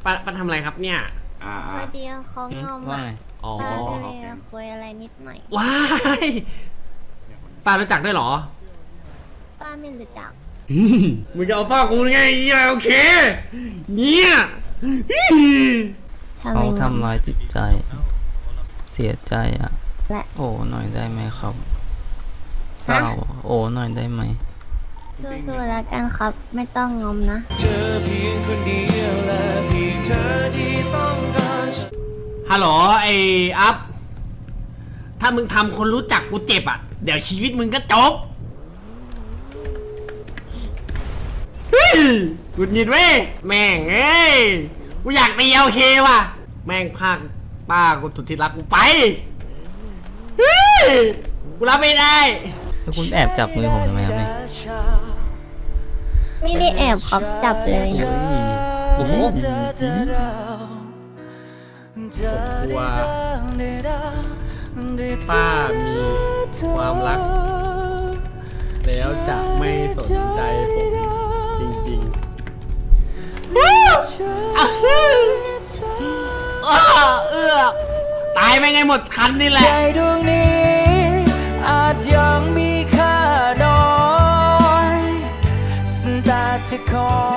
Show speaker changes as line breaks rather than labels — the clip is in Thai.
ป้าทำอะไรครับเนี่ย
พอดีเขางอมอ่ะ
อ๋อ
ป้าก็เลยคุยอะไรนิดหน่อย
ว้ายป้ารู้จักด้วยเหรอ
ป้าไม่รู้จัก
มึงจะเอาป้ากูไงโอเคเนี่ย
เขาทำร้ายจิตใจเสียใจอ่ะโอ้หน่อยได้ไหมครับเศร้าโอ้หน่อยได้ไหม
สู้ๆแล้วกันครับไม่ต้องงอมนะ
ฮัลโหลไอ้อัพถ้ามึงทำคนรู้จักกูเจ็บอ่ะเดี๋ยวชีวิตมึงก็จบกุดหงิดเว้ยแม่งเอ้ยกูอยากตีโอเคว่ะแม่งพากป้ากูสุดที่รักกูไปกูรับไม่ได้
แล้วคุณแอบจับมือผมทำไมครับเนี่ย
ไม่ได้แอบครับจับเลยนะ
โอ้โหผมกลัวป้ามีความรักแล้วจะไม่สนใจผมจริงๆตายไปไงหมดคันนี่แหละ
ใจดวงนี้อาจยังมีค่าน้อยแต่จะขอ